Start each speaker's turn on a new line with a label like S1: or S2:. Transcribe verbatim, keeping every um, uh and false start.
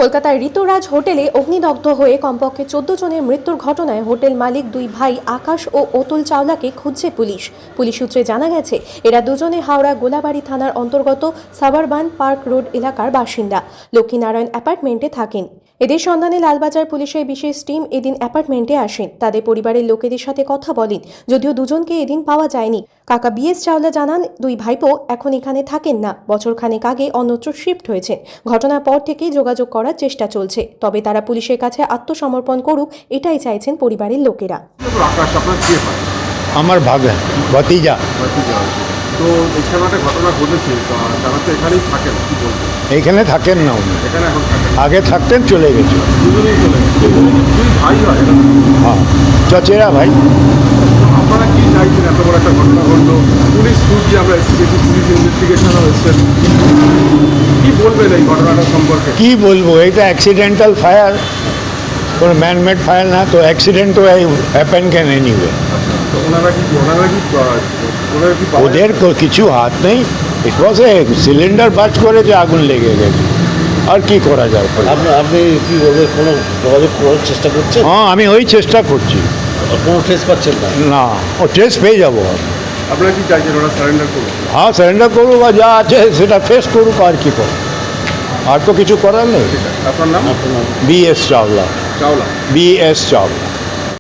S1: কলকাতার ঋতুরাজ হোটেলে অগ্নিদগ্ধ হয়ে কমপক্ষে চোদ্দ জনের মৃত্যুর ঘটনায় হোটেল মালিক দুই ভাই আকাশ ও অতুল চাওলাকে খুঁজছে পুলিশ। পুলিশ সূত্রে জানা গেছে, এরা দুজনে হাওড়া গোলাবাড়ি থানার অন্তর্গত সাবারবান পার্ক রোড এলাকার বাসিন্দা, লক্ষ্মীনারায়ণ অ্যাপার্টমেন্টে থাকেন। এদের সন্ধানে লালবাজার পুলিশের বিশেষ টিম এদিন অ্যাপার্টমেন্টে আসেন। তাদের পরিবারের লোকেদের সাথে কথা বলেন, যদিও দুজনকে এদিন পাওয়া যায়নি। কাকা বি এস চাওলা জানান, দুই ভাইপো এখন এখানে থাকেন না, বছরখানেক আগে অন্যত্র শিফট হয়েছে। ঘটনার পর থেকেই যোগাযোগ করার চেষ্টা চলছে, তবে তারা পুলিশের কাছে আত্মসমর্পণ করুক, এটাই চাইছেন পরিবারের লোকেরা।
S2: আমার ভাগা ভাতিজা।
S3: তো এখানে একটা ঘটনা ঘটেছে, তারা তো এখানেই থাকেন, কি বলবেন?
S2: এইখানে থাকেন না উনি,
S3: এখানে এখন থাকেন।
S2: আগে থাকতেন, চলে গেছে।
S3: দুজনেই চলে গেছে। দুই ভাই হয় না?
S2: হ্যাঁ, চচেরা ভাই।
S3: আপনারা কি চাইছেন? এত বড় একটা ঘটনা ঘটলো, পুলিশ খুঁজছি, আমরা এসেছি, পুলিশ ইনভেস্টিগেশনও এসেছেন, কি বলবেন এই ঘটনাটা সম্পর্কে?
S2: কি বলবো, এটা অ্যাক্সিডেন্টাল ফায়ার, কোনো ম্যানমেড ফায়ার না, তো অ্যাক্সিডেন্ট তো হ্যাপেন ক্যান এনিওয়ে।
S3: তো ওনারা কি ওনারা কি ওনারা কি
S2: ওদের কো- কিছু হাত নেই। ইট ওয়াজ এ সিলিন্ডার বাজ করে যে আগুন লেগে গেছে, আর কি করা যায়?
S4: আপনি আপনি কি ওদের কোনো যোগাযোগ করার চেষ্টা করছেন?
S2: হ্যাঁ, আমি ওই চেষ্টা করছি।
S4: কোনো ট্রেস পাচ্ছেন না?
S2: না, ও ট্রেস পেয়ে যাবো।
S3: আপনারা কি চাইছেন? ওরা সারেন্ডার করুন?
S2: হ্যাঁ, সারেন্ডার করুক, বা যা আছে সেটা ফেস করুক, আর কি করুক, আর তো কিছু করার নেই।
S3: ঠিক আছে। আপনার নাম?
S4: আপনার নাম?
S2: B S Chawla.
S3: Chawla.
S2: B S Chawla.